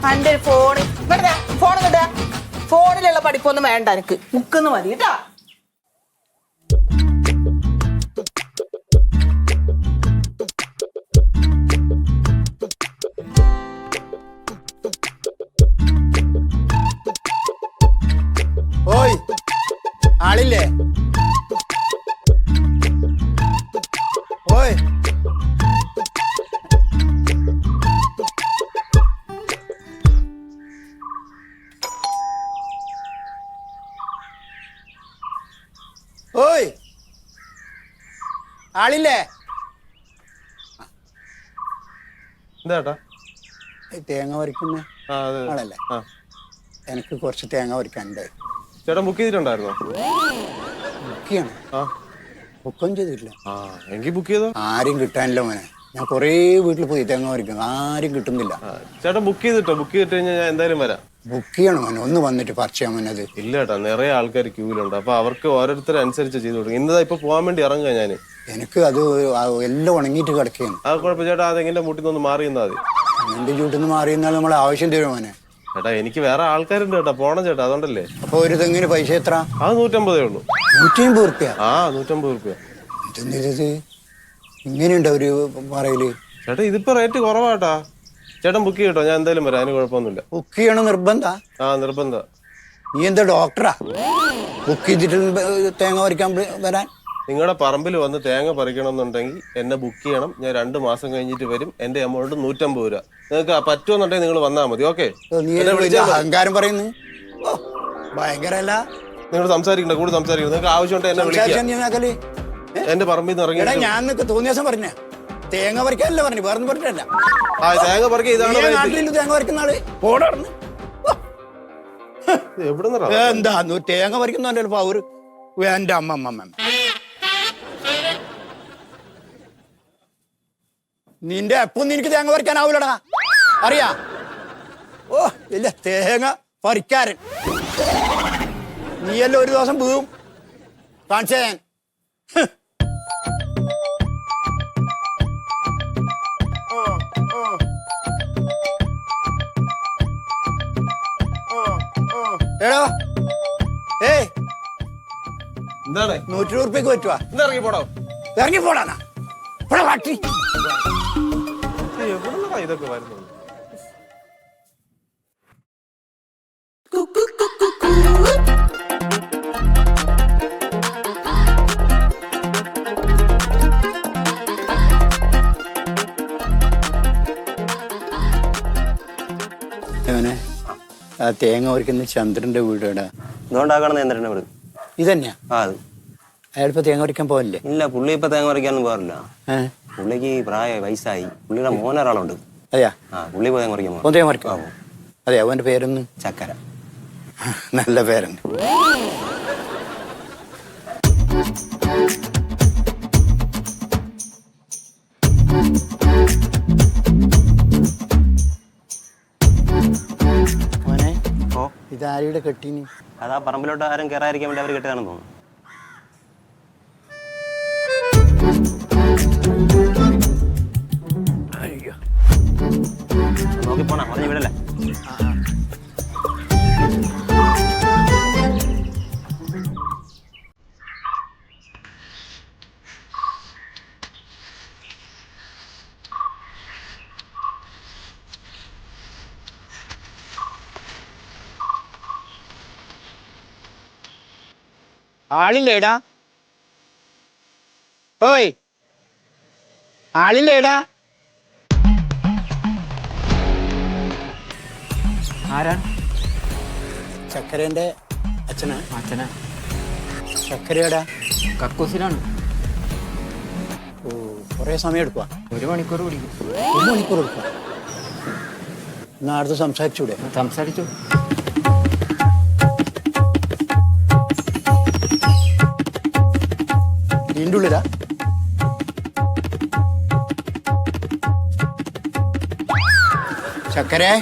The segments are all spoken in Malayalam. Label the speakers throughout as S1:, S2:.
S1: എന്റെ ഫോണ് ഫോൺ കിട്ടാ ഫോണിലുള്ള പഠിപ്പൊന്നും വേണ്ട എനിക്ക് ബുക്കൊന്ന് മതി കേട്ടാ.
S2: ഓയ് ആളില്ലേ? ഓയ് ഓയ് ആളില്ലേ?
S3: എന്താ
S2: തേങ്ങ പറിക്കുന്ന ആളല്ലേ? എനിക്ക് കുറച്ച് തേങ്ങ പറിക്കാനുണ്ട്.
S3: ചേട്ടൻ ബുക്ക് ചെയ്തിട്ടുണ്ടായിരുന്നോ?
S2: ബുക്ക് ചെയ്യണം. ബുക്കൊന്നും ചെയ്തിട്ടില്ല.
S3: എങ്കിൽ ബുക്ക് ചെയ്തോ.
S2: ആരും കിട്ടാനില്ല മോനെ. ഞാൻ കുറേ വീട്ടിൽ പോയി തേങ്ങ പറിക്കുന്നു, ആരും കിട്ടുന്നില്ല.
S3: ചേട്ടൻ ബുക്ക് ചെയ്തിട്ടോ? ബുക്ക് ചെയ്തിട്ട് കഴിഞ്ഞാൽ ഞാൻ എന്തായാലും വരാം.
S2: ബുക്ക് ചെയ്യണം മോനെ, ഒന്ന് വന്നിട്ട് പറിച്ച് ചെയ്യാൻ മോനത്.
S3: ഇല്ല ചേട്ടാ, നിറയെ ആൾക്കാർ ക്യൂവിലുണ്ട്. അപ്പൊ അവർക്ക് ഓരോരുത്തരനുസരിച്ച് ചെയ്ത് കൊടുക്കും. ഇന്നതാ ഇപ്പൊ പോകാൻ വേണ്ടി ഇറങ്ങുക ഞാൻ.
S2: എനിക്ക് അത് എല്ലാം ഉണങ്ങിയിട്ട് കിടക്കുകയാണ്.
S3: ആ കുഴപ്പം ചേട്ടാ, അതെങ്ങനെ മുട്ടിന്നൊന്ന് മാറി നിന്നാ മതി.
S2: എന്റെ ചൂട്ടിൽ നിന്ന് മാറി നിന്നാൽ നമ്മളെ ആവശ്യം തരും മോനെ.
S3: ചേട്ടാ എനിക്ക് വേറെ ആൾക്കാരുണ്ട് കേട്ടാ, പോണം ചേട്ടാ, അതുകൊണ്ടല്ലേ.
S2: അപ്പൊ ഒരു തെങ്ങിന് പൈസ എത്ര?
S3: അത് 150 ഉള്ളൂ.
S2: 150 റുപ്യ?
S3: 150 റുപ്യ.
S2: ഇതെന്ത് ഇങ്ങനെയുണ്ട് അവര് പറയല്?
S3: ചേട്ടാ ഇതിപ്പോ റേറ്റ് കുറവാട്ടാ. ചേട്ടൻ ബുക്ക് ചെയ്യട്ടോ, ഞാൻ എന്തായാലും വരാം, അതിന് കുഴപ്പമൊന്നുമില്ല.
S2: ബുക്ക് ചെയ്യണം നിർബന്ധ?
S3: നിർബന്ധ.
S2: നീ എന്താ ഡോക്ടറാ ബുക്ക് ചെയ്തിട്ട് തേങ്ങ പറിക്കാൻ വരാൻ?
S3: നിങ്ങളുടെ പറമ്പിൽ വന്ന് തേങ്ങ പറിക്കണമെന്നുണ്ടെങ്കിൽ എന്നെ ബുക്ക് ചെയ്യണം. ഞാൻ 2 മാസം കഴിഞ്ഞിട്ട് വരും. എന്റെ എമൗണ്ട് 150 രൂപ. നിങ്ങൾക്ക് പറ്റുമെന്നുണ്ടെങ്കിൽ നിങ്ങൾ വന്നാൽ മതി. ഓക്കെ?
S2: അഹങ്കാരം പറയുന്നു. ഭയങ്കരല്ല.
S3: നിങ്ങൾ സംസാരിക്കണ്ട, കൂടുതൽ സംസാരിക്കണം. നിങ്ങൾക്ക് ആവശ്യമുണ്ട് എന്നെ വിളിക്കാം. എന്റെ പറമ്പിൽ നിന്ന് ഇറങ്ങി.
S2: ഞാൻ തോന്നിയ ദിവസം പറഞ്ഞ തേങ്ങ പറിക്കാനല്ല പറഞ്ഞു, വേറെ പറഞ്ഞിട്ടല്ല.
S3: തേങ്ങ പറിക്കാൻ ഇതാണ്
S2: നാട്ടിൽ തേങ്ങ പറിക്കുന്ന ആള് പോടാർന്ന്. എന്താ തേങ്ങ പറിക്കുന്ന പൗര് എന്റെ അമ്മ. നിന്റെ എപ്പൊന്നും എനിക്ക് തേങ്ങ പറിക്കാനാവൂലടാ, അറിയാ? ഓ ഇല്ല, തേങ്ങ പറിക്കാരൻ നീയല്ലോ. ഒരു ദിവസം വീഴും, കാണിച്ചേ ഞാൻ. എടോ ഏയ്,
S3: എന്താണ്?
S2: 120 റുപ്യക്ക് പറ്റുവാ?
S3: ഇറങ്ങി പോടോ.
S2: ഇറങ്ങി പോടാനാ കാട്ടി.
S3: എവിടുന്നാ ഇതൊക്കെ വരുന്നത്?
S2: ആ തേങ്ങ പറിക്കുന്ന ചന്ദ്രന്റെ വീട് എവിടെ?
S4: ഇതുകൊണ്ടാക്കണം ചന്ദ്രന്റെ വീട്.
S2: ഇതന്നെയാ?
S4: അത്
S2: അയാളിപ്പോ തേങ്ങ പറിക്കാൻ പോകല്ലേ?
S4: ഇല്ല, പുള്ളി ഇപ്പൊ തേങ്ങ പറിക്കാനൊന്നും പോകാറില്ല. പുള്ളിക്ക് വയസ്സായി. പുള്ളിയുടെ മോനൊരാളുണ്ട്.
S2: അതെയാ?
S4: പുള്ളി പോയി തേങ്ങ പറിക്കാൻ
S2: തേങ്ങ പറിക്കാം. അതെയാ? അവന്റെ പേരൊന്ന്?
S4: ചക്കര.
S2: നല്ല പേരുണ്ട്. മോനെ, ഇതാരുടെ കെട്ടീനി?
S4: അതാ പറമ്പിലോട്ട് ആരും കയറാതിരിക്കാൻ വേണ്ടി അവർ കെട്ടിയതാണെന്ന് തോന്നുന്നു. നോക്കി പോണ പറഞ്ഞു വിടല്ലേ.
S2: ആളില്ലേടാ? ഓയ് ആളില്ലേടാ?
S5: ആരാ?
S2: ചക്കരേന്റെ അച്ഛനാ?
S5: അച്ഛനാ.
S2: ചക്കരയുടെ
S5: കക്കൂസിലാണ്.
S2: ഓ, കൊറേ സമയം എടുക്കുക?
S5: 1 മണിക്കൂർ പിടിക്കും.
S2: 1 മണിക്കൂർ എടുക്കുക? എന്നാ അടുത്ത് സംസാരിച്ചൂടെ?
S5: സംസാരിച്ചു.
S2: ഇതിൻ്റെ ഉള്ളിലാ? ചക്കരേ,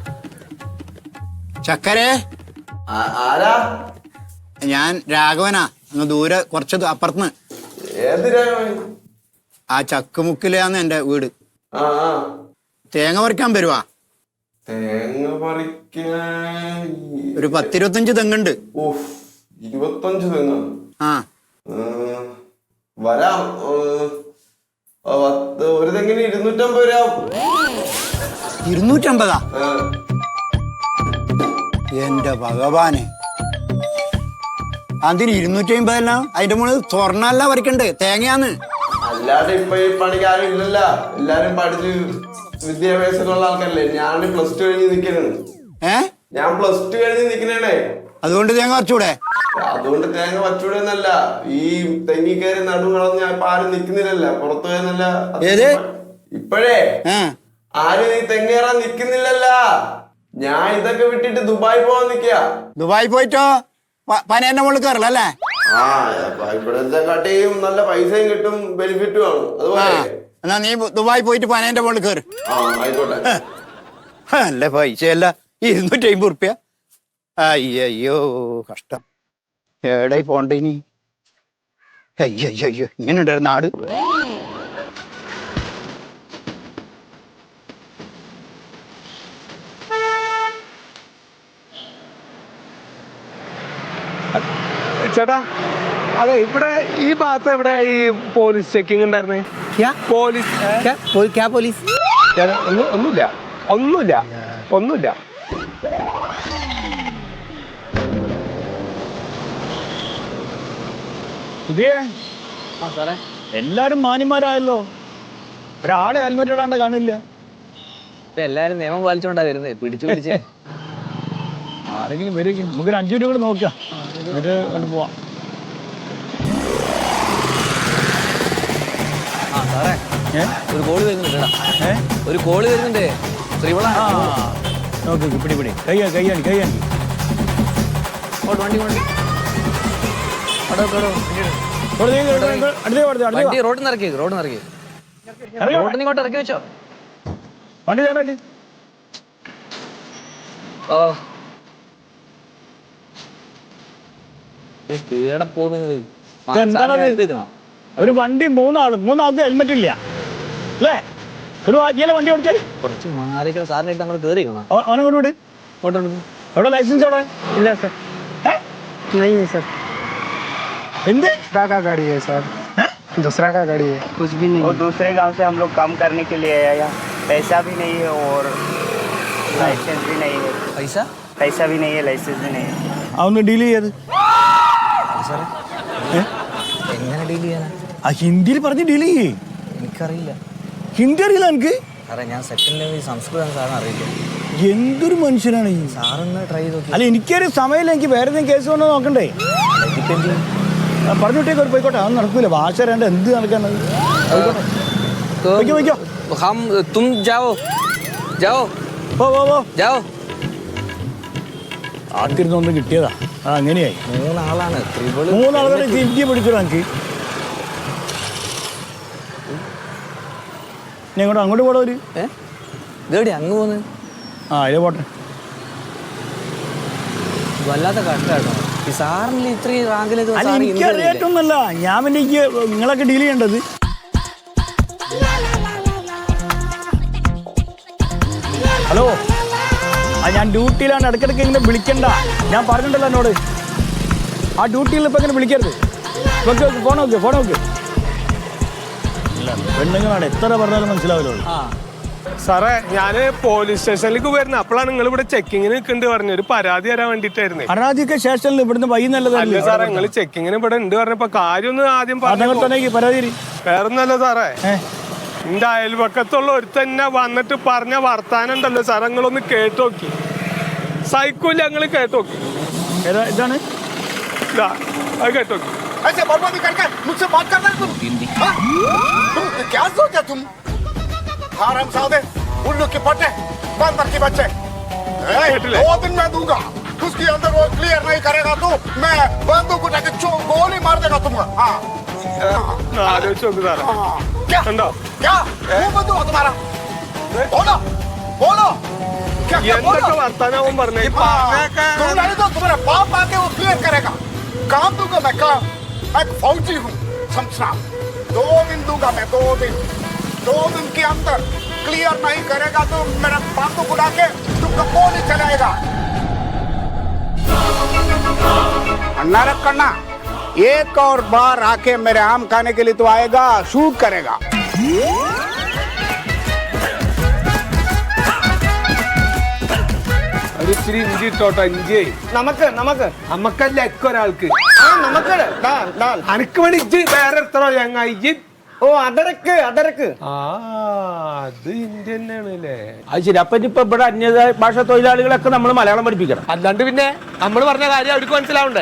S2: ചക്കരേ.
S6: ആരാ?
S2: ഞാൻ രാഘവനാ, അങ്ങ് ദൂരെ കുറച്ച് അപ്പുറത്തുനിന്ന്.
S6: ഏത് രാഘവൻ?
S2: ആ ചക്കുമുക്കിലാന്ന് എന്റെ വീട്. തേങ്ങ പറിക്കാൻ വരുവാ?
S6: തേങ്ങ പറിക്കാൻ
S2: ഒരു 10-25 തെങ്ങുണ്ട്.
S6: ഓഹ് 25 തെങ്ങ്.
S2: ആ
S6: വരാം. ഒരു തെങ്ങിന് 250 രൂപ.
S2: 250? എന്റെ ഭഗവാനെ, അതിന് 250 അല്ല, അതിന്റെ മുകളിൽ സ്വർണ്ണല്ല പറിക്കണ്ടേ, തേങ്ങയാന്ന്.
S6: അല്ലാതെ ഇപ്പൊ ഈ പണിക്ക് ആരും ഇല്ലല്ല, എല്ലാരും പഠിച്ച് വിദ്യാഭ്യാസമുള്ള ആൾക്കാരല്ലേ. ഞാൻ +2 കഴിഞ്ഞ് നിക്കണേ. ഞാൻ +2 കഴിഞ്ഞ് നിക്കണേ.
S2: അതുകൊണ്ട് തേങ്ങ പറിച്ചൂടെ?
S6: അതുകൊണ്ട് തേങ്ങ വച്ചൂടെ എന്നല്ല, ഈ തെങ്ങി കയറി നടു കളഞ്ഞ ഇപ്പൊ ആരും നിക്കുന്നില്ലല്ല, പുറത്തു പോയെന്നല്ല. ഇപ്പോഴേ ആരും ഈ തെങ്ങേറാൻ നിക്കുന്നില്ലല്ല. ഞാൻ ഇതൊക്കെ വിട്ടിട്ട് ദുബായ് പോവാൻ നിക്കാ.
S2: ദുബായ് പോയിട്ടോ പനേന്റെ മുകളിൽ കയറല അല്ലേ?
S6: ആ ഇവിടത്തെ കാട്ടിയും നല്ല പൈസയും കിട്ടും, ബെനിഫിറ്റും ആണ്. അതുപോലെ
S2: എന്നാ നീ ദുബായ് പോയിട്ട് പനേന്റെ മുകളിൽ കയറി.
S6: ആയിക്കോട്ടെ.
S2: അല്ല പൈസയല്ല, 250 ഉറുപ്പ്യ. അയ്യോ കഷ്ടം. എവിടെ പോണ്ട ഇനി? അയ്യോ ഇങ്ങനെ ഉണ്ടായിരുന്നു നാട്.
S7: ചേട്ടാ, അതെ ഇവിടെ ഈ ഭാഗത്ത് എവിടെ ഈ പോലീസ് ചെക്കിംഗ് ഉണ്ടായിരുന്നേ? പോലീസ് ഒന്നുമില്ല.
S8: എല്ലാരും മാന്യന്മാരായല്ലോ, ഒരാളെ ഹെൽമെറ്റ് ഇടാണ്ട് കാണില്ല.
S5: എല്ലാരും നിയമം പാലിച്ചോണ്ടാ വരുന്നത്, പിടിച്ച്
S8: ആരെങ്കിലും വരും. നമുക്കൊരു 5 മിനിറ്റ് കൂടെ നോക്കാം, എന്നിട്ട് കൊണ്ട് പോവാം.
S5: സാറേ ഒരു കോള് വരുന്നുണ്ട്. ഒരു കോള് വരുന്നുണ്ട്. ശ്രീവള
S8: നോക്ക്, പിടി കൈയാണി.
S5: വണ്ടി റോഡിൽ നിന്ന് ഇറക്കി റോഡിൽ ഇങ്ങോട്ട് ഇറക്കി വെച്ചോ.
S8: വണ്ടി ഒരു വണ്ടി മൂന്നാൾക്ക് ഹെൽമെറ്റ് ഇല്ല അല്ലേ? ഒരു വണ്ടി ഓടിച്ചാൽ
S5: കുറച്ച് മാറിക്കോ. സാറിനായിട്ട് നമ്മൾ കേറിക്കണം.
S8: ഓനോട് എവിടെ ലൈസൻസ് എവിടെ?
S5: ഇല്ല സർ.
S8: सर हिंदी
S9: का गाड़ी है सर, दूसरा का गाड़ी है,
S10: कुछ भी नहीं। और दूसरे गांव से हम लोग काम करने के लिए आया, यहाँ पैसा भी नहीं है और लाइसेंस भी नहीं है। पैसा भी नहीं है, लाइसेंस भी नहीं है.
S8: അവന്ന് ഡീൽ ചെയ്യത്
S5: എങ്ങനെ ഡീൽ ചെയ്യാനാ?
S8: ആ ഹിന്ദിയിൽ പറഞ്ഞ് ഡീൽ ചെയ്യേ.
S5: എനിക്കറിയില്ല.
S8: ഹിന്ദി അറിയില്ല എനിക്ക്?
S5: സാറേ ഞാൻ സെക്കൻഡ് ലെവൽ സംസ്കൃതം സാറിന് അറിയില്ല.
S8: എന്തൊരു മനുഷ്യനാണ് ഈ
S5: സാറൊന്ന് ട്രൈ ചെയ്ത് നോക്കി.
S8: അല്ല എനിക്കൊരു സമയമില്ല, എനിക്ക് വേറെ എന്തെങ്കിലും കേസ് കൊണ്ടോ നോക്കണ്ടേ? പറഞ്ഞു വിട്ടേക്ക് ഒരു പോയിക്കോട്ടെ, അതൊന്നും നടക്കൂല. ഭാഷ അറിയാണ്ട് എന്ത് നടക്കാനത്? ആത്തിരുന്നൊന്നും കിട്ടിയതാ, അങ്ങനെയായി.
S5: 3 ആളാണ്.
S8: 3 ആളുകളെ ഹിന്ദി പഠിച്ചോ എനിക്ക്? ഞങ്ങോട്ട് അങ്ങോട്ട് പോടാ. ഒരു
S5: അങ്ങ് പോന്ന്
S8: അതിലെ പോട്ടെ.
S5: വല്ലാത്ത കഷ്ടാട്ടോ ഈ സാറിന് ഇത്രയും റാങ്കിലേക്ക്.
S8: എനിക്കറിയായിട്ടൊന്നുമല്ല, ഞാൻ പിന്നെ നിങ്ങളൊക്കെ ഡീൽ ചെയ്യേണ്ടത്. ഹലോ, ഞാൻ ഡ്യൂട്ടിയിലാണ്, ഇടയ്ക്കിടയ്ക്ക് ഇങ്ങനെ വിളിക്കണ്ട. ഞാൻ പറഞ്ഞിട്ടുണ്ടല്ലോ എന്നോട്, ആ ഡ്യൂട്ടിയിൽ ഇപ്പം ഇങ്ങനെ വിളിക്കരുത്. ഫോൺ നോക്ക്. ഇല്ല പെണ്ണുങ്ങളാണ്, എത്ര പറഞ്ഞാലും മനസ്സിലാവില്ല.
S7: സാറേ ഞാന് പോലീസ് സ്റ്റേഷനിലേക്ക് വരുന്നത്, അപ്പോഴാണ് നിങ്ങൾ ഇവിടെ ചെക്കിങ്ങിന് നിൽക്കുന്നുണ്ട് പറഞ്ഞു. ഒരു പരാതി തരാൻ വേണ്ടിട്ടായിരുന്നു.
S8: പരാതിയൊക്കെ സ്റ്റേഷനിൽ ഇവിടുന്ന് വൈകുന്നല്ലേ
S7: സാറേ? നിങ്ങൾ ചെക്കിങ്ങിന് ഇവിടെ ഉണ്ട് പറഞ്ഞപ്പോ കാര്യം ഒന്ന് ആദ്യം പറഞ്ഞു.
S8: പരാതി
S7: വേറൊന്നല്ല സാറേ, എന്റെ അയൽപക്കത്തുള്ള ഒരു തന്നെ വന്നിട്ട് പറഞ്ഞ വർത്താനം ഉണ്ടല്ലോ സാർ, നിങ്ങളൊന്ന് കേട്ട് നോക്കി. സൈക്കിൾ ഞങ്ങൾ കേട്ട് നോക്കി.
S8: ഇതാണ്
S7: അത് കേട്ട് നോക്കി.
S9: उल्लू की पट्टे बंदर की बच्चे, 2 दिन में दूंगा. उसके अंदर वो क्लियर नहीं करेगा तो मैं बंदूक उठा के गोली मार देगा तुमको. क्या क्या वो बंदूक तुम्हारा? बोलो क्या
S7: വർത്താനം പറഞ്ഞു.
S9: तुम नहीं तो तुम्हारा बाप आके वो क्लियर करेगा. काम दूंगा मैं, काम. मैं फौजी हूँ, समझना. 2 दिन दूंगा मैं, 2 दिन के अंदर क्लियर नहीं करेगा तो मेरा बाप को बुला के तुमको गोली चलाएगा। अन्ना रखना, एक और बार आके मेरे आम खाने के लिए तो आएगा, शूट करेगा।
S7: ഒരു ഇച്ചിരി ഇഞ്ചി ഇട്ടോട്ടോ, ഇഞ്ചി നമുക്കല്ല ഒക്കെ ഒരാൾക്ക് അനക്ക് വേണ്ടി ഇജ്ജ് വേറെ എത്രയോ ചങ്ങായി ഇജ്ജ്.
S10: ഓ അടരക്ക്
S7: ആ അത് ഇന്ത്യ തന്നെയാണല്ലേ.
S8: അത് ശരി. അപ്പൊ ഇപ്പൊ ഇവിടെ അന്യ ഭാഷ തൊഴിലാളികളൊക്കെ നമ്മൾ മലയാളം പഠിപ്പിക്കണം.
S7: അല്ലാണ്ട് പിന്നെ നമ്മൾ പറഞ്ഞ കാര്യം അവർക്ക് മനസ്സിലാവണ്ടേ?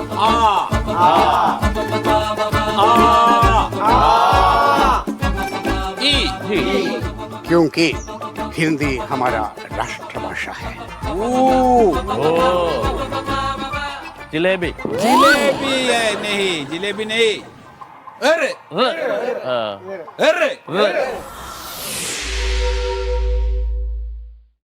S9: क्योंकि हिंदी हमारा राष्ट्रभाषा है।
S8: ജിലേബി
S5: ജിലേബി नहीं जिलेबी नहीं अरे अरे